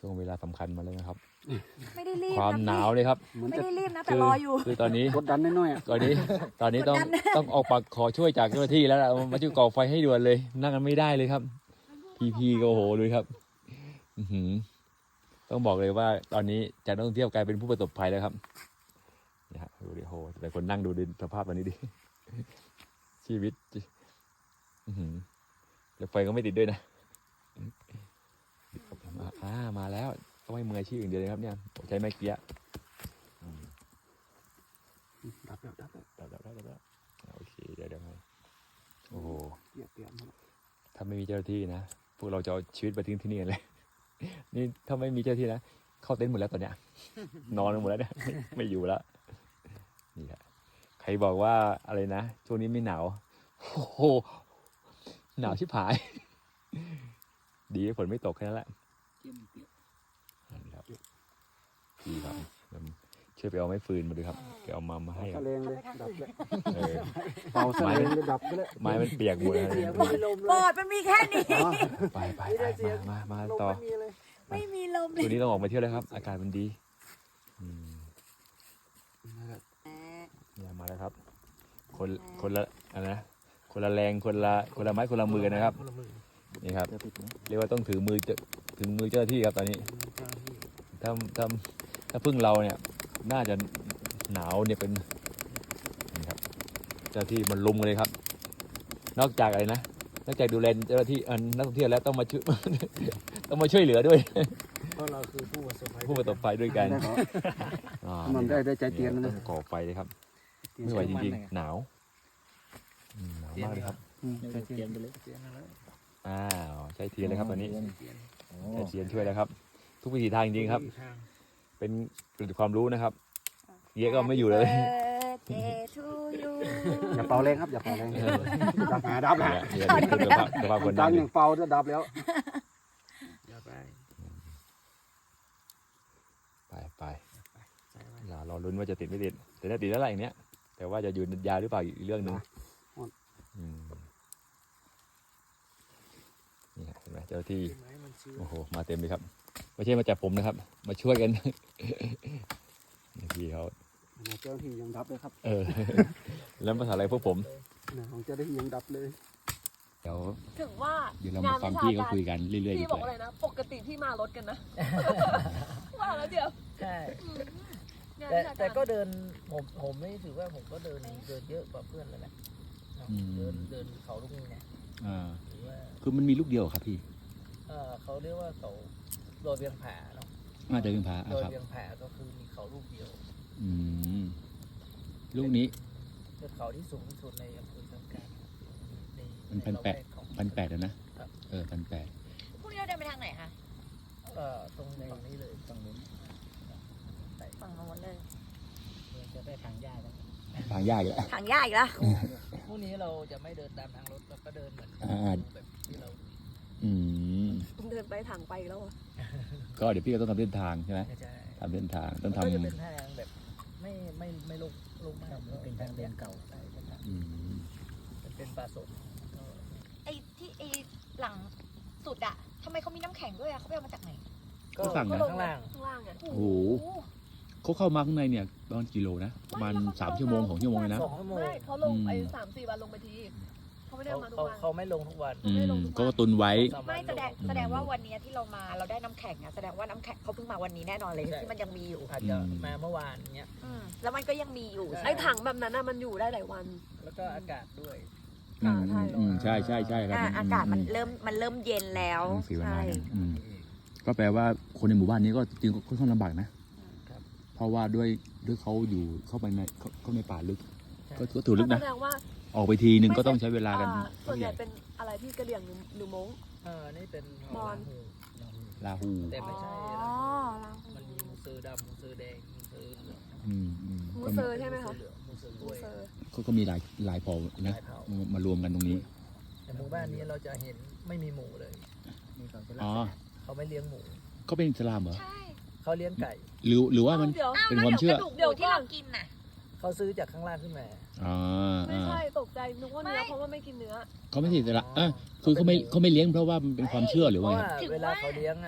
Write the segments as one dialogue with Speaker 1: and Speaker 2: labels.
Speaker 1: ช่วงเวลาสำคัญมาเลยนะครับ
Speaker 2: ไม่ได้รีบ
Speaker 1: ความหนาวเลยครับ
Speaker 2: ไม่ได้รีบนะแต่รออยู่
Speaker 1: คือตอนนี้
Speaker 3: กดดันน้อยๆอ่ะ
Speaker 1: ตอนนี้ต้องออกปากขอช่วยจากเจ้าหน้าที่แล้วล่ะมาช่วยก่อไฟให้ด่วนเลย นั่งกันไม่ได้เลยครับ พี่ก็โอ้โหเลยครับต้องบอกเลยว่าตอนนี้จากนักท่องเที่ยวกลายเป็นผู้ประสบภัยแล้วครับนี่ฮะดูดิโหแต่คนนั่งดูดิสภาพวันนี้ดิชีวิตแล้วไฟก็ไม่ติดด้วยนะมาแล้วต้องให้มืออาชีพอย่างเดียวเลยครับเนี่ยใช้ไม้เกี้ย
Speaker 3: ดับแล้ว
Speaker 1: โอเคเดี๋ยวโอ้โห
Speaker 3: เปียกๆหมด
Speaker 1: ถ้าไม่มีเจ้าหน้าที่นะพวกเราจะเอาชีวิตไปทิ้งที่นี่กันเลย นี่ถ้าไม่มีเจ้าหน้าที่นะเข้าเต็นท์หมดแล้วตอนเนี้ย นอนกันหมดแล้วเนี่ยไม่อยู่แล้วนี่แหละใครบอกว่าอะไรนะช่วงนี้ไม่หนาวโอ้โหหนาวชิบหาย ดีฝนไม่ตกแค่นั้นแหละนี่ครับพี่ครับช่วยไปเอาไม้ฟืนมาดูครับไปเอามาให้ค
Speaker 3: ตะ
Speaker 1: รับ
Speaker 3: เลงเลยดับเลย
Speaker 1: เป่า
Speaker 3: ตะเลงเลยดับไปเลย
Speaker 1: ไม้มันเปียกหมดแล้ว
Speaker 2: ปอดมันมีแค่นี้
Speaker 1: ไปมาต่อ
Speaker 2: ไม่มีลมเล
Speaker 1: ตัวย นี้ต้องออกมาเที่ยวแล้วครับ อากาศมันดีเนี่ยมาแล้วครับ คนละอะไรนะคนละแรงคนละไม้คนละมือนะครับนี่ครับเรียกว่าต้องถึงมือเจ้าหน้าที่ครับตอนนี้ถ้าพึ่งเราเนี่ยน่าจะหนาวเนี่ยเป็นนี่ครับเจ้าหน้าที่มันลุมกันเลยครับ นอกจากอะไรนะนอกจากดูแลเจ้าหน้าที่นักท่องเที่ยวแล้วต้องมาช่วย ต้องมาช่วยเหลือด้วย
Speaker 3: เพราะเราคือผู้ประสบภัย
Speaker 1: ผู้ประสบภัยด้วยกัน
Speaker 3: มันได้ใจเตียน
Speaker 1: ต้
Speaker 3: นะ
Speaker 1: องก่อไฟเลยครับไม่ไหวจริงๆหนาวหนาวมากเลยครับ
Speaker 3: ใจเตียนไปเลย
Speaker 1: ใช้เทียนเลยครับตอนนี้ใช้เทียนช่วยแล้วครับ ทุกวิถีทางจริงๆครับ เป็นความรู้นะครับเยอะก็ไม่อยู่เลย
Speaker 3: อย่าเป่าแรงครับอย่าเป่าแรงดับแล้ว
Speaker 1: เนี่ยสภาพคน
Speaker 3: ดั
Speaker 1: ดั
Speaker 3: ง
Speaker 1: ง
Speaker 3: อย่างเป่าจะดับแล้วอย่าไป
Speaker 1: ไปอย่ารอลุ้นว่าจะติดไม่ติดแต่ถ้าติดแล้วอะไรอย่างเนี้ยแต่ว่าจะอยู่ยาวหรือเปล่าอีกเรื่องหนึ่งนี่เห็นไหมเจ้าที่โอ้โหมาเต็มเลยครับไม่ใช่มาจับผมนะครับ มาช่วยกันพี่เขา
Speaker 3: เจ้าที่ยังดับเลยครับ
Speaker 1: แล้วภาษาอะไรพวกผม
Speaker 3: ของเจ้าที่ยังดับเลย
Speaker 1: เดี๋ยว
Speaker 2: ถึงว่า
Speaker 1: เรามาฟังพี่เขาคุยกันเรื่อยๆดี
Speaker 4: พี่
Speaker 1: ก
Speaker 4: บอก
Speaker 1: ว่า
Speaker 4: อะไรนะ ปกติพี่มารถกันนะ ว่าแล้วเดี๋ยว
Speaker 5: ใช่
Speaker 4: งาน
Speaker 5: แต่
Speaker 4: วิชาาร
Speaker 5: ก็เดินผมไม่ถือว่าผมก็เดินเยอะกว่าเพื่อนเลยแหละเดินเขาลูกนี้เนี่ยถือว่า
Speaker 1: คือมันมีลูกเดียวครับพี่
Speaker 5: เขาเรียกว่าเขาโดยเวียงผาเนาะ
Speaker 1: เดินพา
Speaker 5: โดย
Speaker 1: ครับ
Speaker 5: เวียงผาก็คือมีเขาลูกเดียว
Speaker 1: ลูกนี้
Speaker 5: เป็นเขาที่สูงที่สุดในอำเภอสังกัด
Speaker 1: มัน1,800แล้วนะ1,800
Speaker 2: พรุ่งนี้เราเดินไปทางไหนคะ
Speaker 5: ตรงฝั่งนี้เลยฝั่งนู้น
Speaker 2: ฝั่งโน้นเลย
Speaker 5: จะได้ทางยากแล้ว
Speaker 1: ทางยากอีกแล้ว
Speaker 2: ทางยากอีกแล้ว
Speaker 5: พรุ่งนี้เราจะไม่เดินตามทางรถเราก็เดินเหมือนแบบที่เรา
Speaker 4: เดินไปถังไปแล้วอ่ะ
Speaker 1: ก็เดี๋ยวพี่ก็ต้องทำเส้นทางใช่ไหม
Speaker 5: ใช่
Speaker 1: ทำเส้นทางต้อง
Speaker 5: ก็
Speaker 1: ทำ
Speaker 5: จะเป็นทางแบบไม่ลงมากเป็นทางเดินเก่าใช่เป็นทางเป็นป่าสน
Speaker 2: ไอ้ที่ไอ้หลังสุดอะทำไมเขามีน้ำแข็งด้วยอะเขาไปเอามาจากไหน
Speaker 5: ก็ข้างล่าง
Speaker 4: ข้างล่างอ่ะ
Speaker 1: โอ้โหเขาเข้ามาข้างในเนี่ยประมาณกี่โลนะประมาณ3 ชั่วโมง2 ชั่วโมงเลยนะ
Speaker 5: 2 ชั่วโมง
Speaker 4: ไม่เขาลงไป3-4 วันลงไปทีเขาไม่ได้มาทุกวัน
Speaker 5: เขาไม่ลงทุกวัน
Speaker 1: ก็ตุนไว้
Speaker 2: ไม่แสดงว่าวันนี้ที่เรามาเราได้น้ำแข็งอะแสดงว่าน้ำแข็งเขาเพิ่งมาวันนี้แน่นอนเลยที่มันยังมีอยู่
Speaker 5: อาจจะมาเมื่อวานเนี้ย
Speaker 2: แล้วมันก็ยังมีอยู่
Speaker 4: ไอ้ถังแบบนั้นน่ะมันอยู่ได้หลายวัน
Speaker 5: แล้วก็อากาศด้วย
Speaker 1: ใช่ครับ
Speaker 2: อากาศมันเริ่มเย็นแล้ว
Speaker 1: สีวัน
Speaker 2: ใช่
Speaker 1: นั้นก็แปลว่าคนในหมู่บ้านนี้ก็จริงๆค่อนข้างลำบากนะเพราะว่าด้วยเขาอยู่เข้าไปในเข้าในป่าลึกก็ถือลึกนะ
Speaker 4: แสดงว่า
Speaker 1: ออกไปทีนึงก็ต้องใช้เวลากัน
Speaker 4: ส่วนใหญ่เป็นอะไรพี่กระเหลี่ยงหรือม้ง
Speaker 5: นี่เป็น
Speaker 4: มอญ
Speaker 1: ลาหู
Speaker 5: แต่ไม่ใช่
Speaker 2: อ๋อ
Speaker 5: มันมีมูเซอร์ดำมูเซอร์แดงมูเซอร์เหลือง
Speaker 4: มูเซอร์ใช่ไหมคะ
Speaker 5: มูเซอร์ก
Speaker 4: มู
Speaker 5: ล้วย
Speaker 4: เซอร์
Speaker 1: ก็มีหลายเผ่านะมารวมกันตรงนี้
Speaker 5: แต่หมู่บ้านนี้เราจะเห็นไม่มีหมูเลย
Speaker 1: อ๋อ
Speaker 5: เขาไม่เลี้ยงหมู
Speaker 1: ก็เป็นอิสลามเหรอ
Speaker 2: ใช่
Speaker 5: เขาเลี้ยงไก่
Speaker 1: หรือว่ามัน
Speaker 4: เดี๋ยว
Speaker 1: เป็นความเชื่อ
Speaker 2: เดี๋ยวที่เรากินน่ะ
Speaker 5: เขาซื้อจากข้างล่างขึ้นมา
Speaker 4: ไม่ใช่ตกใจนึกว่าเนื้อเพราะว่าไม่กินเนื้อ
Speaker 1: เขาไม่ใช่อิสลามคือเขาไม่เลี้ยงเพราะว่ามันเป็นความเชื่อหรือ
Speaker 5: เพ
Speaker 1: ว่า
Speaker 5: ราะ
Speaker 1: ไง
Speaker 5: ว่าเวลาเขาเลี้ยงอ่ะ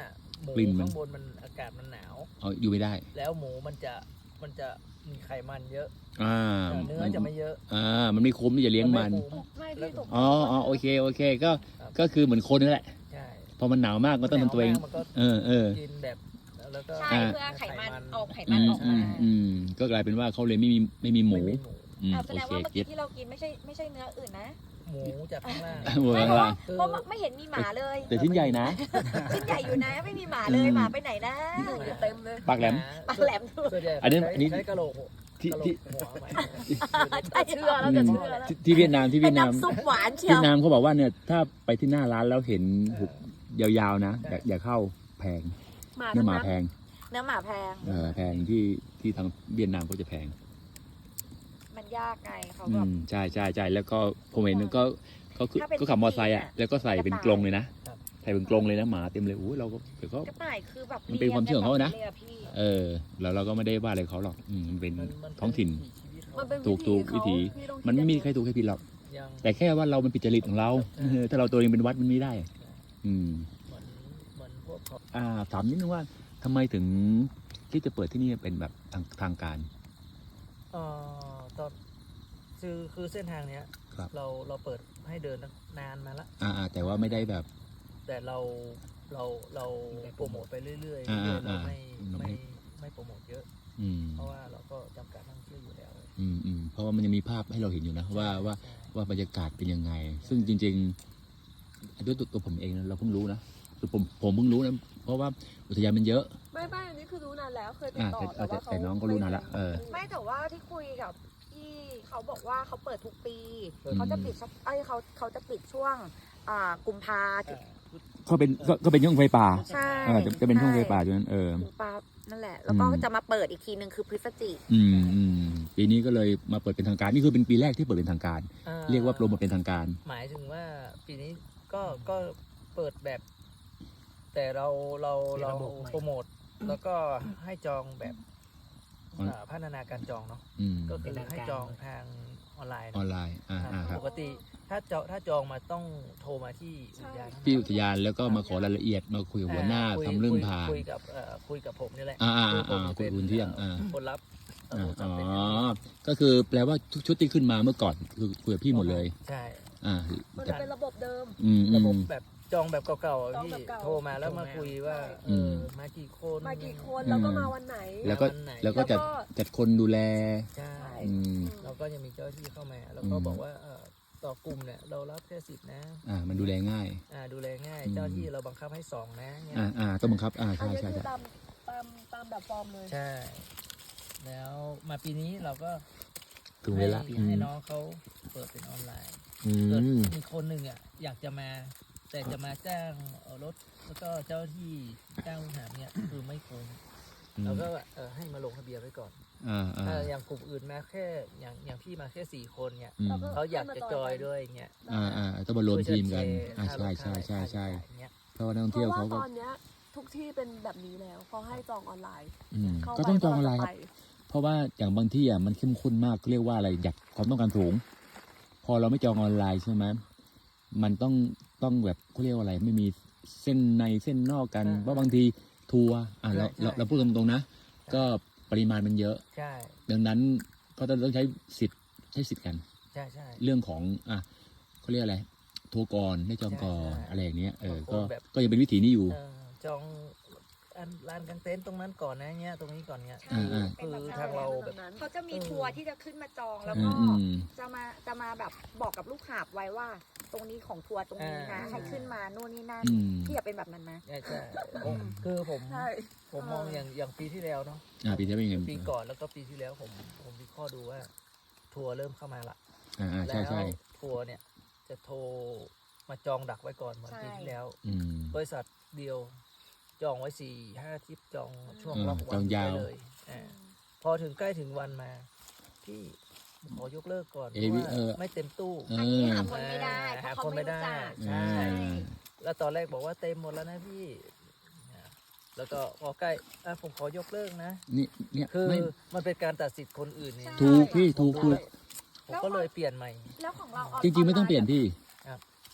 Speaker 5: หมู
Speaker 1: กลิ่นมัน
Speaker 5: ข้างบนมันอากาศมันหนาว
Speaker 1: เอาอยู่ไม่ได้
Speaker 5: แล้วหมูมันจะมีไขมันเยอะ
Speaker 1: อ่า
Speaker 5: แต่เนื้อจะไม่เยอะ
Speaker 1: มันไม่คุ้มที่จะเลี้ยงมัน
Speaker 5: ไคุ้
Speaker 4: ไม่พี่ตก
Speaker 1: อ๋อโอเคก็คือเหมือนคนนั่นแหละ
Speaker 5: ใช่
Speaker 1: พอมันหนาวมากก็ต้องทำตัวเอง
Speaker 5: หนาวมากมันก็
Speaker 1: เออ
Speaker 5: กินแบบแล้วก็
Speaker 2: ใช่
Speaker 1: อ่า
Speaker 2: เพื่อไขมันออกไขมันออกมา
Speaker 1: ก็กลายเป็นว่าเขาเลยไม่มีหมู
Speaker 5: ไม่มีหมู
Speaker 2: แส
Speaker 1: โอ
Speaker 2: ดง
Speaker 1: เค
Speaker 2: ว่าเมื่อ
Speaker 1: เก็
Speaker 2: กี้
Speaker 1: ต
Speaker 2: ที่เรากินไม่ใช่เนื้ออื่นนะ
Speaker 5: หมูจากข้างล่าง
Speaker 1: หมูข้างล่าง
Speaker 2: เพราะว่าไม่เห็นมีหมาเลย
Speaker 1: แต่ชิ้นใหญ่นะ
Speaker 2: ชิ้นใหญ่อยู่นะไม่มีหมาเลยหมาไปไหนนะ
Speaker 4: เต็มเลย
Speaker 1: ปากแหลม
Speaker 2: ปากแหลมด้วย
Speaker 5: ส่วนใหญ่
Speaker 1: อันนี้
Speaker 5: ใช้กะโหลก
Speaker 1: ที่
Speaker 5: กะโหล
Speaker 1: ที่
Speaker 5: กหัวไว้
Speaker 4: เชื่อแล้วจะเชื่อแล้ว
Speaker 1: ที่เวียดนาม
Speaker 2: เป็นน้ำซุปหวานเชีย
Speaker 1: เวี
Speaker 2: วย
Speaker 1: ดนามเขาบอกว่าเนี่ยถ้าไปที่หน้าร้านแล้วเห็นหุบยาวๆนะอย่าเข้าแพง
Speaker 4: หมา
Speaker 1: เนื้
Speaker 4: ทั้
Speaker 1: อง หมา
Speaker 4: นั้น
Speaker 1: แพง
Speaker 2: เนื้อหมาแพง
Speaker 1: แพงที่ทางเวียดนามก็จะแพง
Speaker 2: มันยากไงเขาแบบ
Speaker 1: ใช่แล้วก็ผมเห็นก็คือ
Speaker 2: ถ้าเป็น
Speaker 1: ก็ขับมอเตอร์ไซค์อ่ะ
Speaker 2: จริงๆอะ
Speaker 1: แล้วก็ใส่เป็นกรงเลยนะครับ ใส่เป็นกรงเลยนะหมาเต็มเลยโอ้ยเราก็เดี๋ยวก็
Speaker 2: กระต่ายคือแบบ
Speaker 1: มันเป็นความเชื่อของเขานะ
Speaker 2: ลี้ยงกัแบบพี่
Speaker 1: แล้วเราก็ไม่ได้ว่าอะไรเขาหรอกมันเป็น
Speaker 5: มัน
Speaker 1: ท้องถิ่น
Speaker 4: มันเป็น
Speaker 1: ถูกวิถี
Speaker 4: พี่ต้องคิด
Speaker 1: มันไม่มีใครถูกใครผิดหรอก
Speaker 5: ยัง
Speaker 1: แต่แค่ว่าเรามันผิดจริตของเราถ้าเราตัวเองเป็นวัดมันไม่ได้ อืม
Speaker 5: เหมือนพวกเขา
Speaker 1: ถามนิดนึงว่าทำไมถึงที่จะเปิดที่นี่เป็นแบบทางการ
Speaker 5: ตอนคือเส้นทางเนี้ย
Speaker 1: ครับ
Speaker 5: เราเปิดให้เดินนานมาละ
Speaker 1: แต่ว่าไม่ได้แบบ
Speaker 5: แต่เราโปรโมทไปเรื่อยๆเรื่อยๆ
Speaker 1: อ่า
Speaker 5: เราไม่
Speaker 1: เราไม่
Speaker 5: ไม่โปรโมทเยอะ
Speaker 1: อืม
Speaker 5: เพราะว่าเราก็จำกัดนักท่องเที่ยวอยู่แล้ว
Speaker 1: เพราะว่ามันยังมีภาพให้เราเห็นอยู่นะว่าบรรยากาศเป็นยังไง ซึ่งจริงๆด้วยตัวผมเองนะเราเพิ่งรู้นะคือผมเพิ่งรู้นะเพราะว่าอุทยานมันเยอะ
Speaker 4: ไม่อันนี้คือรู้นานแล้วเคยติดต่อ
Speaker 1: แต่น้องก็รู้นานละ
Speaker 2: ไม่แต่ว่าที่คุยกับพี่เขาบอกว่าเขาเปิดทุกปี
Speaker 1: อืม
Speaker 2: เขาจะปิดเขาจะปิดช่วงกุมภา
Speaker 1: ก็เป็นช่วงไฟป่า
Speaker 2: ใช่
Speaker 1: จะเป็นช่วงไฟป่าอยู่นั้น
Speaker 2: กุมภานั่นแหละ แล้วก็จะมาเปิดอีกทีหนึ่งคือพฤศจิก
Speaker 1: ปีนี้ก็เลยมาเปิดเป็นทางการนี่คือเป็นปีแรกที่เปิดเป็นทางการ เรียกว่าโปรโมทเป็นทางการ
Speaker 5: หมายถึงว่าปีนี้ก็เปิดแบบ แต่เราโปรโมทแล้วก็ให้จองแบบพัฒนาการจองเนาะก็คือให้จองทางออนไลน์
Speaker 1: ออนไลน์ครับ
Speaker 5: ปกติถ้าจองมาต้องโทรมาที่อุทยาน
Speaker 1: ที่อุทยานแล้วก็มาขอรายละเอียดมาคุยกับหัวหน้าทำเรื่องผ่าน
Speaker 5: คุยกับผมนี่แหละ
Speaker 1: คุณเที่ยง
Speaker 5: คนรับ
Speaker 1: ก็คือแปลว่าทุกชุดที่ขึ้นมาเมื่อก่อนคือคุยกับพี่หมดเลย
Speaker 5: ใช่
Speaker 4: มันจะเป็นระบบเดิม
Speaker 5: ระบบแบบจองแบบเก่าๆ
Speaker 4: จอง
Speaker 5: พี่
Speaker 4: แบบเก่า
Speaker 5: โทรมาแล้วมาคุยว่ามากี่คน
Speaker 4: มากี่คนแล้วก็มาวันไหน
Speaker 1: แล้วก็จัดคนดูแล
Speaker 5: ใช่ เราก็จะมีเจ้าที่เข้ามาแล้วก็บอกว่าต่อกลุ่มเนี่ยเรารับแค่10นะ
Speaker 1: มันดูแลง่าย
Speaker 5: ดูแลง่ายเจ้าที่เราบังคับให้2นะเนี่ย
Speaker 1: ต้องบังคับ
Speaker 4: อัน
Speaker 1: ใช่
Speaker 4: นี้
Speaker 1: ใช่
Speaker 4: คือ
Speaker 1: ใช่
Speaker 4: ตามแบบฟอร์มเลย
Speaker 5: ใช่ แล้วมาปีนี้เราก็
Speaker 1: ถึงเวลา
Speaker 5: ให้น้องเขาเปิดเป็นออนไลน์มีคนหนึ่งอยากจะมาแต่จะมาจ้างรถแล้วก็เจ้าที่จ้างลูกหาบเนี่ยคือไม่คุ้มเราก็ให้มาลงทะเบียนไว้ก่อนอย่างกลุ่มอื่นมาแค่อย่างพี่มาแค่4 คนเนี่ยเขาอยากจะจอยด้วยอย่างเงี้ย
Speaker 1: ต้องมารวมทีมกันใช่เพราะว่านักท่อง
Speaker 4: เพ
Speaker 1: เที่ยว
Speaker 4: ราะว่า
Speaker 1: เขาก็
Speaker 4: ตอนเนี้ยทุกที่เป็นแบบนี้แล้วเขาให้จองออนไลน์เข้า
Speaker 1: ก็
Speaker 4: ไป
Speaker 1: ต้องจองออนไลน์ค
Speaker 4: ไป
Speaker 1: รับเพราะว่าอย่างบางที่มันเข้มข้นมากเรียกว่าอะไรอยากความต้องการสูง พอเราไม่จองออนไลน์ใช่ไหมมันต้องแบบเขาเรียกว่าอะไรไม่มีเส้นในเส้นนอกกันเพราะบางทีทัวร์เราพูดตรงๆนะก็ปริมาณมันเยอะ
Speaker 5: ใช่
Speaker 1: ดังนั้นก็ต้องใช้สิทธิ์กัน
Speaker 5: ใช่ใช่
Speaker 1: เรื่องของเขาเรียกอะไรโทรก่อนได้จองก่อน
Speaker 5: ใช่
Speaker 1: อะไรอย่างเงี้ยก็
Speaker 5: แบบ
Speaker 1: ก็ยังเป็นวิถีนี้อยู่
Speaker 5: จองลานกางเต็นท์ตรงนั้นก่อนนะเงี้ยตรงนี้ก่อนเงี้ย
Speaker 2: ใช่
Speaker 5: คือทางเราแบบ
Speaker 2: เขาจะมีทัวร์ที่จะขึ้นมาจองแล้วก็จะมาแบบบอกกับลูกหาบไว้ว่า ตรงนี้ของทัวร์ตรงนี้นะให้ขึ้นมาโน่นนี่นั่นพี่อยากเป็นแบบนั้นไหม
Speaker 5: ใช่คือผม
Speaker 4: ใช่
Speaker 5: มองอย่างปีที่แล้วเนาะ
Speaker 1: ปีที่แล้วเป็นยังไง
Speaker 5: ปีก่อนแล้วก็ปีที่แล้วผมวิเคราะห์ดูว่า ทัวร์เริ่มเข้ามาละ
Speaker 1: ใช่
Speaker 5: แล้วทัวร์เนี่ยจะโทรมาจองดักไว้ก่อนเหมือนปีที่แล้ว บริษัทเดียวจองไว้4-5 ทริปจองช่วงล็อกวันไปเลยพอถึงใกล้ถึงวันมาพี่ขอยกเลิกก่อนเพราะว่าไม่เต็มตู้
Speaker 2: อันนี้หาคนไม่ได้เพราะเขาไม่รู้จัก
Speaker 5: ใช่แล้วตอนแรกบอกว่าเต็มหมดแล้วนะพี่แล้วก็พอใกล้ผมขอยกเลิกนะ
Speaker 1: เนี่ย
Speaker 5: คือมันเป็นการตัดสิทธิ์คนอื่นเนี่ย
Speaker 1: ถูกพี่ถูก
Speaker 5: ผมก็เลยเปลี่ยนใหม่
Speaker 2: แล้วของเรา
Speaker 1: จริงๆไม่ต้องเปลี่ยนพี่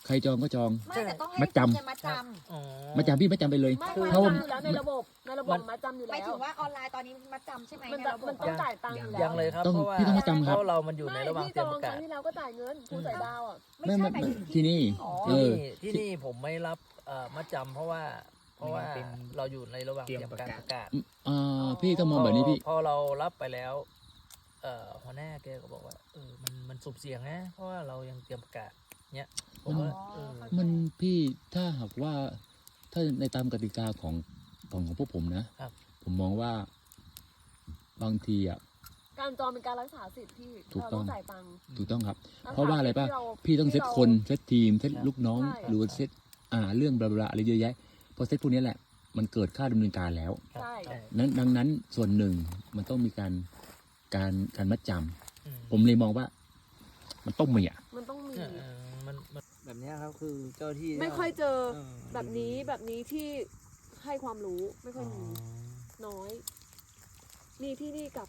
Speaker 1: ใครจองก็จอง
Speaker 2: ไม่แต่ต้องให้
Speaker 1: มัดจำ
Speaker 2: เงินมัดจ
Speaker 5: อ๋อ
Speaker 1: มาจำพี่มาจำไปเลย
Speaker 4: ไม่
Speaker 5: คือ
Speaker 4: มัดจำอยู่แล้วในระบบมัดจำอยู่
Speaker 2: ำห
Speaker 4: แล้
Speaker 2: มายถึ
Speaker 4: ว
Speaker 2: งว่าออนไลน์ตอนนี้มัดจำใช่ไหม
Speaker 4: มัน
Speaker 2: ใน
Speaker 4: จะ
Speaker 2: ระบบ
Speaker 4: มันต้องจ่ายตังค์อยู่
Speaker 5: ยั
Speaker 4: แล้
Speaker 5: ง
Speaker 4: ว
Speaker 5: เลยครับ
Speaker 1: ต้อง
Speaker 5: เพราะว่า
Speaker 1: พี่ต้องมัดจำครับ
Speaker 5: เพราะเรามันอยู่ใน
Speaker 4: ไม่
Speaker 5: ระหว่าง
Speaker 4: พี่
Speaker 5: เต
Speaker 4: จ
Speaker 5: รีย
Speaker 4: อ
Speaker 5: ม
Speaker 4: ง
Speaker 5: ประ
Speaker 4: ค
Speaker 5: กา
Speaker 4: รั้
Speaker 5: ศ
Speaker 4: งที่แล้วก็จ่ายเงินผู้ใส่ดาวอ่ะ
Speaker 2: ไม่ใช่หมายถึง
Speaker 1: ที่นี่
Speaker 5: อ๋อ
Speaker 1: เออ
Speaker 5: ที่นี่ผมไม่รับมัดจำเพราะว่าเราอยู่ในระหว่างเตรียมการประกาศ
Speaker 1: พี่ต้องมองแบบนี้พี่
Speaker 5: พอเรารับไปแล้วหัวหน้าแกก็บอกว่ามันสุ่มเสี่ยงนะเพราะว่าเรายังเตรียมประกาศเนี้ยผมว่า
Speaker 1: มันพี่ถ้าหากว่าถ้าในตามกติกาของพวกผมนะ
Speaker 5: ครับ
Speaker 1: ผมมองว่าบางทีอ่ะ
Speaker 4: การจองเป็นการรักษาสิทธิ์ที่
Speaker 1: ถูก
Speaker 4: เรา
Speaker 1: ต้
Speaker 4: ต้
Speaker 1: อ
Speaker 4: อง งจ่ายตังค์
Speaker 1: ถูกต้องครับ
Speaker 4: รักษ
Speaker 1: เพราะว่าอะไรป่ะ
Speaker 4: ที่เ
Speaker 1: พี่ต้องเซตคนเซตทีมเซตลูกน้อง
Speaker 4: ใช่
Speaker 1: หรือว่าเซตเรื่องบลาบลาอะไรเยอะแยะพอเซตพวกนี้แหละมันเกิดค่าดำเนินการแล้ว
Speaker 5: ครับ
Speaker 4: ใช่
Speaker 5: ใช่
Speaker 1: ดังนั้นส่วนหนึ่งมันต้องมีการมัดจำ
Speaker 5: อืม
Speaker 1: ผมเลยมองว่า มันต้องมีอ่ะ
Speaker 4: มันต้องมี
Speaker 5: มันแบบเนี้ยครับคือเจ้าที่
Speaker 4: ไม่ค่อยเจอ
Speaker 5: เออ
Speaker 4: แบบนี้ที่ให้ความรู้ไม่ค่อยมีน้อย มีที่นี่กับ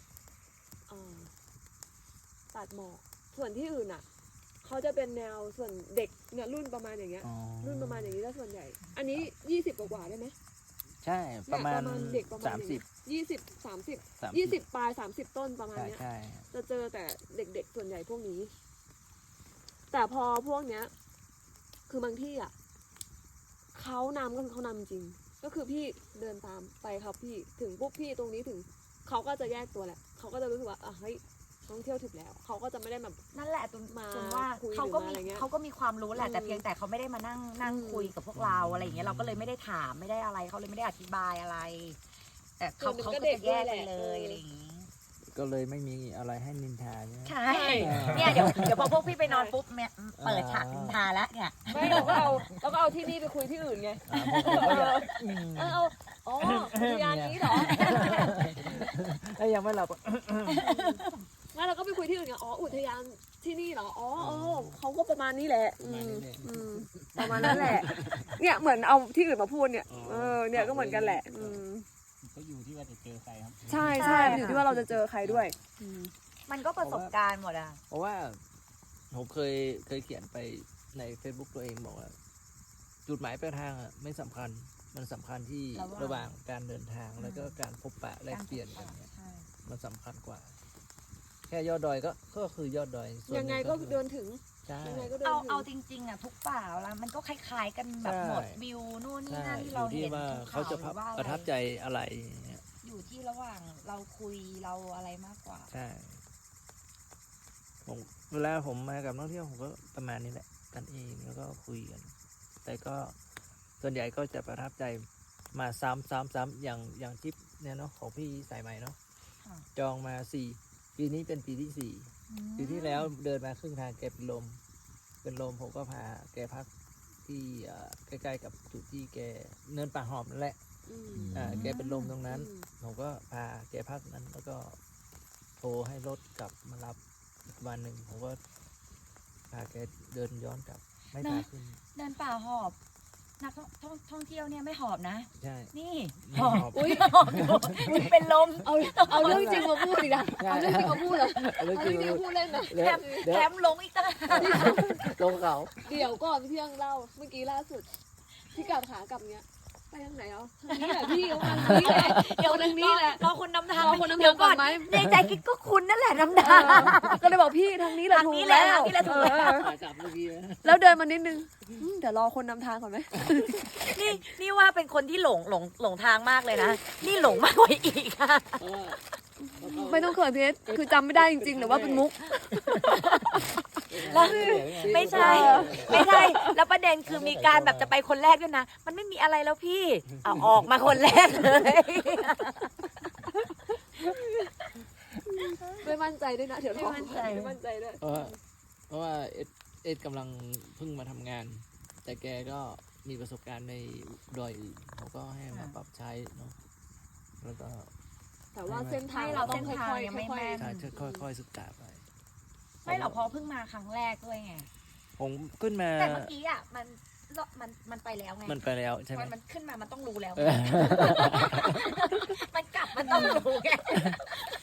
Speaker 4: ตัดหมอกส่วนที่อื่นอ่ะเขาจะเป็นแนวส่วนเด็กเนี่ยรุ่นประมาณอย่างเงี้ย
Speaker 5: อ๋อ
Speaker 4: รุ่นประมาณอย่างนี้ถ้าส่วนใหญ่ อันนี้20 กว่าได้ไหม
Speaker 5: ใช่ประมาณ
Speaker 4: เด็กประมาณ
Speaker 5: 30
Speaker 4: 20 30 20ปลาย30ต้นประมาณ
Speaker 5: ใช่
Speaker 4: เนี้ย
Speaker 5: ใช่
Speaker 4: จะเจอแต่เด็กๆส่วนใหญ่พวกนี้ แต่พอพวกเนี้ย คือบางที่อ่ะเขานำก็คือเขานำจริง ก็คือพี่เดินตามไปครับพี่ถึงปุ๊บพี่ตรงนี้ถึงเขาก็จะแยกตัวแหละเขาก็จะรู้สึกว่าเฮ้ยท่องเที่ยวถึงแล้วเขาก็จะไม่ได้แบบ
Speaker 2: นั่นแหละตุน
Speaker 4: มา
Speaker 2: ตุนว่า
Speaker 4: คุย
Speaker 2: เขาก็
Speaker 4: หรือมาอะไร
Speaker 2: มี
Speaker 4: เงี้ย
Speaker 2: เขาก็มีความรู้แหละ
Speaker 4: อืม
Speaker 2: แต่เพียงแต่เขาไม่ได้มานั่ง
Speaker 4: อืม
Speaker 2: คุยกับพวกเราอะไรอย่างเงี้ยเราก็เลยไม่ได้ถามไม่ได้อะไรเขาเลยไม่ได้อธิบายอะไร แต่เขาก็จะแยกไปเลยอะไรอย่างงี้
Speaker 5: ก็เลยไม่มีอะไรให้นินทาใช่ไหม
Speaker 2: ใช่เนี่ยเดี๋ยวพอพวกพี่ไปนอนปุ๊บเนี่ยเปิดฉากนินทาแล้วเนี่ย
Speaker 4: ไม่เราก็เอาที่นี่ไปคุยที่อื่นไง
Speaker 5: ผมก็อยาก
Speaker 4: อ๋ออุทยานนี้เหรอ
Speaker 5: ยังไม่หลับ
Speaker 4: งั้นเราก็ไปคุยที่อื่นไงอ๋ออุทยานที่นี่เหรออ๋อเขาก็ประมาณนี้แหละประมาณนั้นแหละ เนี่ยเหมือนเอาที่อื่นมาพูดเนี่ยเนี่ยก็เหมือนกันแหละ
Speaker 5: ก็อยู่ที่ว่าจะเจอใครครับ
Speaker 4: ใช่ใช่อยู่ที่ว่าเราจะเจอใครด้วย
Speaker 2: มันก็ประสบการณ์หมดอ่ะ
Speaker 5: เพราะว่าผมเคยเขียนไปใน Facebook ตัวเองบอกว่า จุดหมายปลายทางอ่ะไม่สำคัญมันสำคัญที่ระหว่างการเดินทางแล้วก็การพบปะแลกเปลี่ยนกันเนี่ยมันสำคัญกว่า แค่ยอดดอยก็คือยอดดอยส่วนหนึ่
Speaker 4: ยังไงก็เดินถึง
Speaker 5: ใช่
Speaker 4: ยังไงก็เดิน
Speaker 2: เอา
Speaker 4: ถึง
Speaker 2: จริงๆอ่ะทุกป่าแล้วมันก็คล้ายๆกันแบบ
Speaker 5: ใช่
Speaker 2: หมดวิวนู่นนี่
Speaker 5: ใช่
Speaker 2: นั่น
Speaker 5: อ
Speaker 2: ที่เรา
Speaker 5: ยู่ที่
Speaker 2: เห็น
Speaker 5: ว่า
Speaker 2: ภู
Speaker 5: เขาจะ
Speaker 2: หรือว่า
Speaker 5: ประทับใจอะไรอย่างเงี้ย
Speaker 2: อยู่ที่ระหว่างเราคุยเราอะไรมากกว่า
Speaker 5: ใช่ผมเวลาผมมากับนักท่องเที่ยวผมก็ประมาณนี้แหละกันเองแล้วก็คุยกัน แต่ก็ส่วนใหญ่ก็จะประทับใจมาซ้ำอย่างทริปเนี่ยเนาะของพี่สายใหม่เนาะ
Speaker 2: ค่ะ
Speaker 5: จองมาปีนี้เป็นปีที่ 4 ปีที่แล้วเดินมาครึ่งทางแกเป็นลมผมก็พาแกพักที่ใกล้ๆกับจุดที่แกเนินป่าหอมนั่นแหละแกเป็นลมตรงนั้น ผมก็พาแกพักนั้น แล้วก็โทรให้รถกลับมารับอีกวันหนึ่งผมก็พาแกเดินย้อนกลับไม่พาขึ้น
Speaker 2: เดินป่าหอบนักท่องเที่ยวเนี่ยไม่หอบนะ
Speaker 5: ใช่
Speaker 2: นี่
Speaker 5: ไม่
Speaker 2: หอบ
Speaker 5: หอบ
Speaker 4: อุ้ย
Speaker 2: หอบอยู่เป็นลม
Speaker 4: เอาเรื่องจริงมาพูดอีกนะเอาเรื่องจริงมาพูดเหรอ
Speaker 5: เอาเรื่
Speaker 4: เอา
Speaker 5: องจ
Speaker 4: เรื่
Speaker 5: ริ
Speaker 4: อง งจริงมาพูดเล่นนะ
Speaker 5: เดี๋ยวเดี๋ยว
Speaker 2: แถมลงอีกต่างหาก
Speaker 5: ลงเขา
Speaker 4: เดี๋ยวก่อนพี่เที่ยงเล่าเมื่อกี้ล่าสุดที่กลับขากลับเนี้ยไปทางไหนทางนี้แหละพี่ทางนี้แหละ
Speaker 2: เดี๋ยว
Speaker 4: ทางนี้แหละ
Speaker 2: รอคนนำทาง
Speaker 4: รอคนนำทาง
Speaker 2: เดี๋ยวก่อน
Speaker 4: ก่อนไหม
Speaker 2: ในใจกิ๊กก็คุณนั่นแหละนำทาง
Speaker 4: ก็เลยบอกพี่ทางนี้แหละ
Speaker 2: ทาง
Speaker 4: ถู
Speaker 2: นี้
Speaker 4: ก
Speaker 2: แหละ
Speaker 4: แล้ว
Speaker 2: ทางนี้แหละถูกแล้ว
Speaker 5: กลับเมื่อกี้นะ
Speaker 4: แล้วเดินมานิดนึงเดี๋ยวรอคนนำทางก่อนไหม
Speaker 2: นี่ว่าเป็นคนที่หลงทางมากเลยนะ นี่หลงมากกว่าอีกค่ะ
Speaker 4: ไม่ต้องเขินพี่เอสคือจำไม่ได้จริงๆหรือว่าเป็นมุก
Speaker 2: แล้วไม่ใช่ แล้วประเด็นคือมีการแบบจะไปคนแรกด้วยนะ มันไม่มีอะไรแล้วพี่เอาออกมาคนแรกเลย
Speaker 4: ไม่มั่นใจด้วยนะเดี๋ยวรอ
Speaker 2: ไม่มั่นใจ
Speaker 4: ไม่มั่นใจด้วย
Speaker 5: เพราะว่าเอ็ดกำลังเพิ่งมาทำงาน แต่แกก็มีประสบการณ์ในดอยอื่นเขาก็ให้มาปรับใช้เนาะแล้วก็
Speaker 4: แต่ว่าเส้นทาง
Speaker 2: ไม่เรา
Speaker 4: ต้อง
Speaker 2: เส้น
Speaker 4: ค่
Speaker 2: ทาง
Speaker 4: อย
Speaker 2: ยังไม่
Speaker 4: ๆค่อย
Speaker 2: แม่น
Speaker 5: ใช่ค่อยๆศึกษาไป
Speaker 2: ไม่หรอกเพอเพิ่งมาครั้งแรกด้วยไง
Speaker 5: ผมขึ้นมา
Speaker 2: แต่เมื่อกี้อ่ะมันไปแล้วไง
Speaker 5: มันไปแล้วใช่ไหม
Speaker 2: มันขึ้นมามันต้องรู้แล้ว มันกลับมันต้องรู้ไง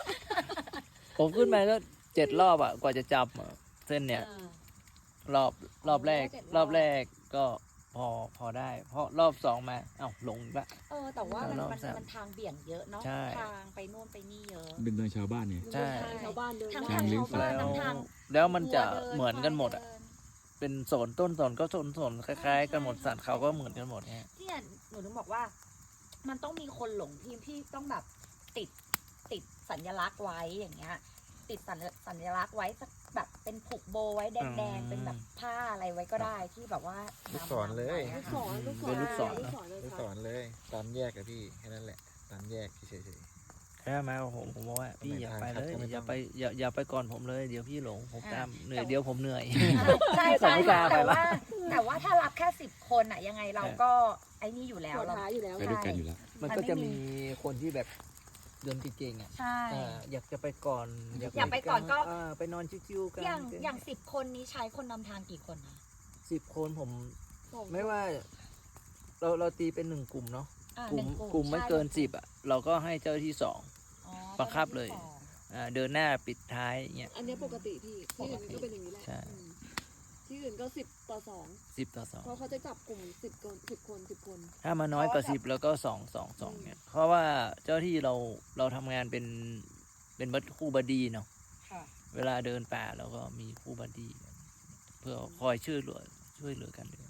Speaker 5: ผมขึ้นมาก็7 รอบอ่ะกว่าจะจำอะเส้นเนี่ยรอบแรก รอบแรกก็พอได้ เพราะรอบสองมาเอ้าหลงอีกละ
Speaker 2: แต่ว่ามัน
Speaker 5: รอบ
Speaker 2: มัน
Speaker 5: สาม
Speaker 2: มันทางเบี่ยงเยอะเนาะ
Speaker 5: ใช่
Speaker 2: ทางไปนู่นไปนี่เยอะ
Speaker 1: เป็นเมืองชาวบ้านเนี่ย
Speaker 5: ใช่
Speaker 4: ชาวบ้านเดิน
Speaker 2: ทั้ง
Speaker 1: ทา
Speaker 2: ทาง ง
Speaker 1: เลี้ยง
Speaker 2: ชาวบ้าน
Speaker 5: แล้ว
Speaker 2: ทั้งทาง
Speaker 5: แล้วมันจะ
Speaker 2: วัวดิ
Speaker 5: เหมือนกันหมดอ่ะ
Speaker 2: ควายเดิน
Speaker 5: เป็นโซนต้นโซนก็โซนคล้ายๆกันหมดสัตว์เขาก็เหมือนกันหมดเนี่ย
Speaker 2: เนี่ยหนูถึงบอกว่า มันต้องมีคนหลงพี่ต้องแบบติดสัญลักษณ์ไว้อย่างเงี้ย ติดสัญลักษณ์ไว้สักแบบเป็นผูกโบไว้แดงๆเป็นแบบผ้าอะไรไว้ก็ได้ที่แบบว่า
Speaker 6: ลูกศรเลย
Speaker 4: ลูกศรลูกศร
Speaker 5: เป็นลูกศร
Speaker 4: ลูกศรเลย
Speaker 6: ลูก
Speaker 4: ค
Speaker 6: ศ
Speaker 4: รับ
Speaker 6: รเลยตามแยกอะพี่แค่นั้นแหละตามแยกเฉย
Speaker 5: แค่มาผมบอกว่าพี่อย่าไปเลย
Speaker 6: ทาง
Speaker 5: อย่าไปอย่าไปก่อนผมเลยเดี๋ยวพี่หลงผมตามเหนื่อย
Speaker 2: แต่
Speaker 5: เดี๋ยวผมเหนื่อย
Speaker 2: ใช่
Speaker 5: ผม
Speaker 2: ใช่
Speaker 5: ไม่กล้าไป
Speaker 2: แต่
Speaker 5: ละ
Speaker 2: ว่าถ้ารับแค่10 คนอะยังไงเราก็ไอ้นี่อยู่แล้ว
Speaker 4: หัว
Speaker 2: เรา
Speaker 4: ท้ายอยู่แล้ว
Speaker 1: ไปด้วยกันอยู่แล้ว
Speaker 5: มันก็จะมีคนที่แบบเดินเก่งๆอ่ะ
Speaker 2: ใช่
Speaker 5: อยากจะไปก่อน
Speaker 2: อยากไปก่อนก็
Speaker 5: ไปนอนชิวๆกัน
Speaker 2: อย่าง10 คนนี้ใช้คนนำทางกี่คนนะ
Speaker 5: 10 คนผม
Speaker 4: สอง
Speaker 5: ไม่ว่าเราตีเป็น1 กลุ่มเนาะ
Speaker 2: อ่ะ
Speaker 5: กลุ่ม
Speaker 2: หนึ่ง
Speaker 5: กลุ่มไม่เกิน
Speaker 2: ใช่
Speaker 5: 10อ่ะเราก็ให้เจ้าที่2
Speaker 2: อ๋อ
Speaker 5: บังคับเลย
Speaker 2: ตอนที่สอง
Speaker 5: เดินหน้าปิดท้ายเงี้ย
Speaker 4: อันเนี้ยปกติพี่ที่อื่นก็เป็นอย่างนี้แหละ
Speaker 5: ใช่
Speaker 4: อืมที่อื่นก็10 ต่อ
Speaker 5: 10 ต่อ
Speaker 4: 2เพราะเขาจะจับกลุ่ม10 คน
Speaker 5: 2ถ้ามาน้อยกว่า10แล้วก็2 เนี่ยเพราะว่าเจ้าที่เราทำงานเป็นคู่บัดดี้เนาะ
Speaker 2: ค่ะ
Speaker 5: เวลาเดินป่าเราก็มีคู่บัดดี้กันเพื่อคอยช่วยเหลือกันเลย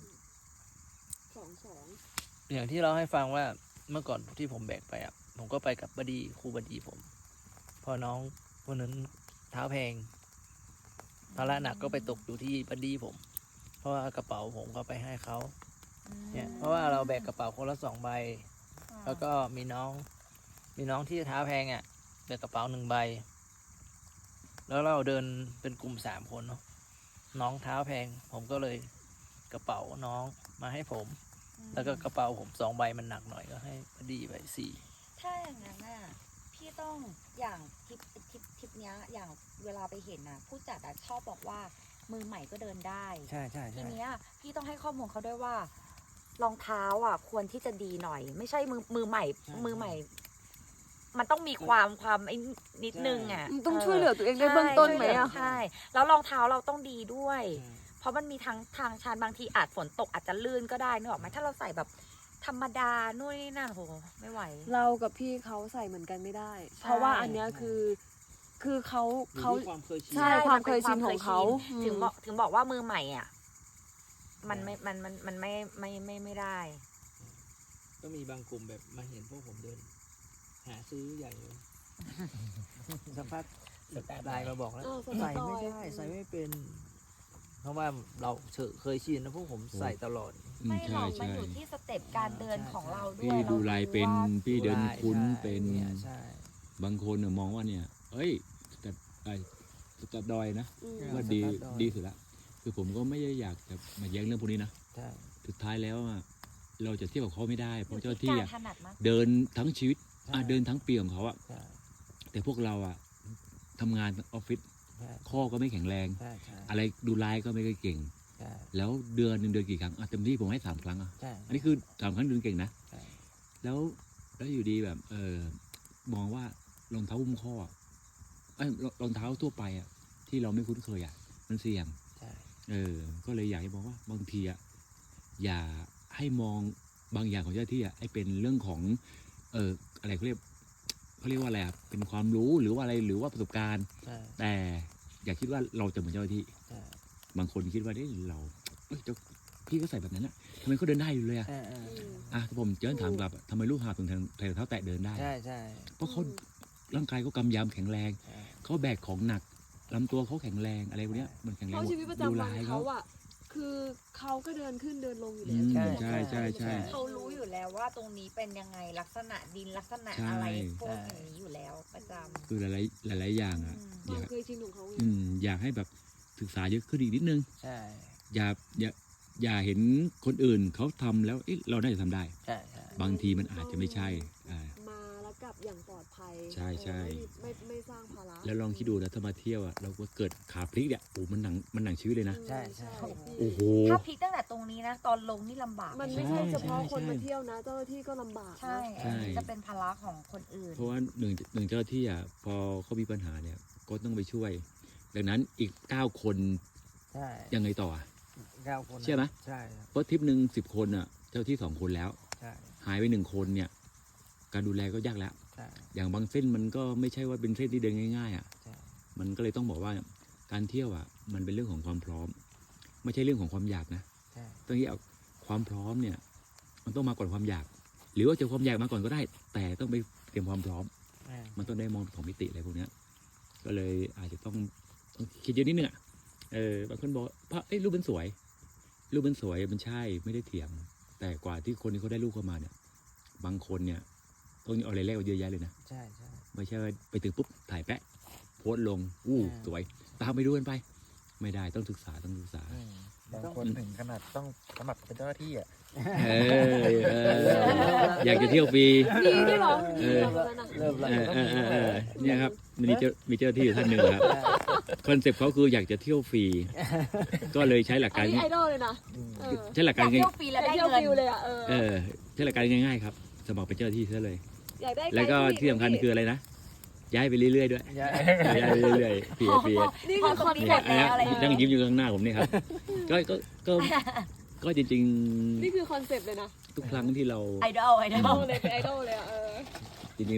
Speaker 4: 2
Speaker 5: อย่างที่เราให้ฟังว่าเมื่อก่อนที่ผมแบกไปอ่ะผมก็ไปกับบัดดี้ครูบัดดี้ผม พอน้องคนนั้นเท้าแพงภาระหนักก็ไปตกอยู่ที่บัดดี้ผม เพราะว่ากระเป๋าผมก็ไปให้เขาเนี่ยเพราะว่าเราแบกกระเป๋าคนละ2 ใบ แล้วก็มีน้องที่เท้าแพงอ่ะแบกกระเป๋า1 ใบ แล้วเราเดินเป็นกลุ่ม3 คนเนาะน้องเท้าแพง ผมก็เลยกระเป๋าน้องมาให้ผม แล้วก็กระเป๋าผม2 ใบมันหนักหน่อยก็ให้พอดีไป4
Speaker 2: ถ้าอย่างนั้นน่ะพี่ต้องอย่างทริปเนี้ยอย่างเวลาไปเห็นน่ะผู้จัดอะชอบบอกว่ามือใหม่ก็เดินได้
Speaker 5: ใช่
Speaker 2: ทีเนี้ยพี่ต้องให้ข้อมูลเขาด้วยว่ารองเท้าอ่ะควรที่จะดีหน่อย ไม่ใช่มือใหม่ มือใหม่ มันต้องมีความไอ้นิดนึงอ่ะ
Speaker 4: ต้องช่วยเหลือตัวเองได้เบื้องต้นไหมอ่ะ
Speaker 2: ใช่แล้วรองเท้าเราต้องดีด้วย เพราะมันมีทั้งทางชันบางทีอาจฝนตกอาจจะลื่นก็ได้นึกออกไหมถ้าเราใส่แบบธรรมดานู่นนี่นั่นโหไม่ไหว
Speaker 4: เรากับพี่เขาใส่เหมือนกันไม่ได้ เพราะว่าอันเนี้ยคือเขา
Speaker 5: ความเคยชิน
Speaker 4: ใช่ ความเคยชินของเขา
Speaker 2: ถึงบอกว่ามือใหม่อ่ะ มันไม่ได้
Speaker 5: ก็มีบางกลุ่มแบบมาเห็นพวกผมเดิน หาซื้อใหญ่เลยสักพักไลน์มาบอกแล้ว ใส่ไม่ได้ใส่ไม่เป็น เพราะว่าเราเคยชินนะพวกผมใส่ตลอด
Speaker 2: ไม่หร
Speaker 1: ใช่
Speaker 2: อกมัน
Speaker 1: ใช่
Speaker 2: อยู่ที่สเต็ปการเดินของเราด้วย
Speaker 1: พี่ดูลายเป็น
Speaker 2: เรา
Speaker 1: พี่เดินคุ้น
Speaker 5: ใช่
Speaker 1: เป็น
Speaker 5: เนี่ยใช่
Speaker 1: บางคนเนี่ยมองว่าเนี่ย เอ้ยแต่จะดอยนะ
Speaker 4: อืม
Speaker 1: ว่าดีสุดละคือผมก็ไม่ได้อยากจะมาแย้งเรื่องพวกนี้นะ
Speaker 5: ใช่
Speaker 1: สุดท้ายแล้วอะเราจะเทียบกับเขาไม่ได้เพราะเจ้า
Speaker 2: อยู่
Speaker 1: ที่
Speaker 2: กา
Speaker 1: อะ
Speaker 2: รถนัดมาก
Speaker 1: เดินทั้งชีวิต
Speaker 5: ใช่
Speaker 1: เดินทั้งปีของเขาอะ
Speaker 5: ใช่
Speaker 1: แต่พวกเราอะทำงานออฟฟิศ
Speaker 5: ใช่
Speaker 1: ข้อก็ไม่แข็งแรง
Speaker 5: ใช่ใช่
Speaker 1: อะไรดูไลฟ์ก็ไม่ค่อยเก่ง
Speaker 5: ใช่
Speaker 1: แล้วเดือนหนึ่งเดือนกี่ครั้งเต็มที่ผมให้3 ครั้งอะ
Speaker 5: ใช่
Speaker 1: อันนี้คือ3 ครั้งเดือนเก่งนะ
Speaker 5: ใช่
Speaker 1: แล้วอยู่ดีแบบมองว่ารองเท้าหุ้มข้ออะรองเท้าทั่วไปอะที่เราไม่คุ้นเคยอะมันเสี่ยง
Speaker 5: ใช่
Speaker 1: ก็เลยอยากจะบอกว่าบางทีอะอย่าให้มองบางอย่างของเจ้าหน้าที่อะให้เป็นเรื่องของอะไรเขาเรียกว่าอะไรอะเป็นความรู้หรือว่าอะไรหรือว่าประสบการณ์
Speaker 5: ใช่
Speaker 1: แต่อย่าคิดว่าเราจะเหมือนเจ้าหน้าที่
Speaker 5: ใช่
Speaker 1: บางคนคิดว่าเราพี่ก็ใส่แบบนั้นอะทำไมเขาเดินได้อยู่เลยอะ
Speaker 5: ใช่
Speaker 1: ถ้าผมจะถามกลับอะทำไมลูกหาบถึงใส่รองเท้าแตะเดินได้
Speaker 5: ใช่ใช่
Speaker 1: เพราะเขาร่างกายเขากำยำแข็งแรง
Speaker 5: ใช่
Speaker 1: เขาแบกของหนักลำตัวเขาแข็งแรงอะไรพวกเนี้ยมันแข็งแร
Speaker 4: เพ
Speaker 1: ง
Speaker 4: ราะชีวิตประจำวัน
Speaker 1: ลาย
Speaker 4: เขาอ่ะคือเขาก็เดินขึ้นเดินลงอยู่แล้ว
Speaker 1: อืม
Speaker 5: ใช่
Speaker 1: ใช่ใช่ใช่
Speaker 2: เขารู้อยู่แล้วว่าตรงนี้เป็นยังไงลักษณะดินลักษณะ
Speaker 1: ใช่
Speaker 2: อะไรพวกอย่างนี้อยู่แล้วประจำ
Speaker 1: คือหลายอย่างอะ
Speaker 4: ค
Speaker 1: อ
Speaker 4: วาม
Speaker 1: ยาก
Speaker 4: เคยชินของเขาไง
Speaker 1: อยากให้แบบศึกษาเยอะขึ้นอีกนิดนึง
Speaker 5: ใช่
Speaker 1: อย่าเห็นคนอื่นเขาทำแล้วเราน่าจะทำได้
Speaker 5: ใช่ใช่
Speaker 1: บางทีมันอาจจะไม่ใช่
Speaker 4: มาแล้วกลับอย่างปลอดภัย
Speaker 1: ใช่ใช่
Speaker 4: ไม่สร้างภาระ
Speaker 1: แล้วลองคิดดูนะถ้ามาเที่ยวอะเราก็เกิดขาพลิกเนี่ยโอ้มันหนังชีวิตเลยนะ
Speaker 5: ใช่ใช่
Speaker 1: โอ้โห
Speaker 2: ถ้าพลิกตั้งแต่ตรงนี้นะ ตอนลงนี่ลำบาก
Speaker 4: มัน
Speaker 1: ใช่
Speaker 4: ไม่ใช่เฉพาะ
Speaker 1: ใช่
Speaker 4: คนมาเที่ยวนะ เจ้าหน้าที่ก็ลำบาก
Speaker 2: ใช่
Speaker 4: นะ
Speaker 1: ใช่
Speaker 2: อันนี้จะเป็นภาระของคนอื่น
Speaker 1: เพราะว่าหนึ่งเจ้าหน้าที่อะพอเขามีปัญหาเนี่ยก็ต้องไปช่วย ดังนั้นอีก9 คน
Speaker 5: ใช่
Speaker 1: ยังไงต่ออะ
Speaker 5: 9 คนนะ
Speaker 1: เชื่อไหม
Speaker 5: ใช่ครับ
Speaker 1: เพราะทริปหนึ่ง10 คนอ่ะเจ้าที่2 คนแล้ว
Speaker 5: ใช่
Speaker 1: หายไป1 คนเนี่ย การดูแลก็ยากแล้ว
Speaker 5: ใช่
Speaker 1: อย่างบางเส้นมันก็ไม่ใช่ว่าเป็นเส้นที่เดินง่ายๆอ่ะ
Speaker 5: ใช่
Speaker 1: มันก็เลยต้องบอกว่าการเที่ยวอ่ะมันเป็นเรื่องของความพร้อม ไม่ใช่เรื่องของความอยากนะ
Speaker 5: ใช่
Speaker 1: ต้องที่เอาความพร้อมเนี่ย มันต้องมาก่อนความอยาก หรือว่าจะความอยากมาก่อนก็ได้ แต่ต้องไปเตรียมความพร้อม
Speaker 5: อ่า
Speaker 1: มันต้องได้มองของมิติอะไรพวกเนี้ยก็เลยอาจจะต้องคิดเยอะนิดนึงอ่ะบางคนบอกพระรูปมันสวย รูปมันสวยมันใช่ไม่ได้เถียง แต่กว่าที่คนที่เขาได้รูปเข้ามาเนี่ย บางคนเนี่ยต้องเอาอะไรแรกเอาเยอะแยะเลยนะ
Speaker 5: ใช่ใช่
Speaker 1: ไม่ใช่ว่าไปถึงปุ๊บถ่ายแปะโพสต์ลงสวย ตามไปดูกันไป ไม่ได้ต้องศึกษา
Speaker 6: บางคนถึงขนาดต้องสมัครเป็นเจ้าหน้าที่อ่ะ
Speaker 1: เออยากจะเที่ยวฟรี
Speaker 4: นี่เหรอ
Speaker 1: เออ
Speaker 5: เริ่มแล้ว
Speaker 1: เนี่ยครับมีเจ้าหน้าที่อยู่ท่านหนึ่งครับคอนเซ็ปต์เขาคืออยากจะเที่ยวฟรีก็เลยใช้หลัก
Speaker 4: อั
Speaker 1: กาน ร
Speaker 4: นี้ไอดอลเลยนะเออ
Speaker 1: ใช้หลัก
Speaker 2: อ
Speaker 1: การ
Speaker 2: ยาก
Speaker 1: ง่าย
Speaker 2: เที่ยวฟรีแล้วได้
Speaker 4: เที่ยว
Speaker 2: เงิน
Speaker 4: ฟิวเลยอ่ะ
Speaker 1: ใช้หลักการง่ายๆครับสมัครเป็นเจ้าหน้าที่ซะเลย
Speaker 4: อยากได้
Speaker 1: แล้วก็ที่สำคัญคืออะไรนะย้ายไปเรื่อยๆด้วย
Speaker 5: ย้าย
Speaker 1: ย้ายไปเรื่อยๆฟรี
Speaker 4: นี่
Speaker 2: พอ
Speaker 4: คือ
Speaker 2: ต
Speaker 4: ค
Speaker 2: ร
Speaker 4: อง น
Speaker 2: นี้
Speaker 4: เซ็
Speaker 2: หม
Speaker 4: ป
Speaker 2: ด
Speaker 4: ต์
Speaker 2: แล้วอะไร
Speaker 1: นั่งยิ้มอยู่ข้างหน้าผมนี่ครับก็จริง
Speaker 4: นี่คือคอนเซ็ปต์เลยนะ
Speaker 1: ๆทุกครั้งที่เรา
Speaker 2: ไอดอล
Speaker 4: เลยเป็นไอดอลเลยอ่ะ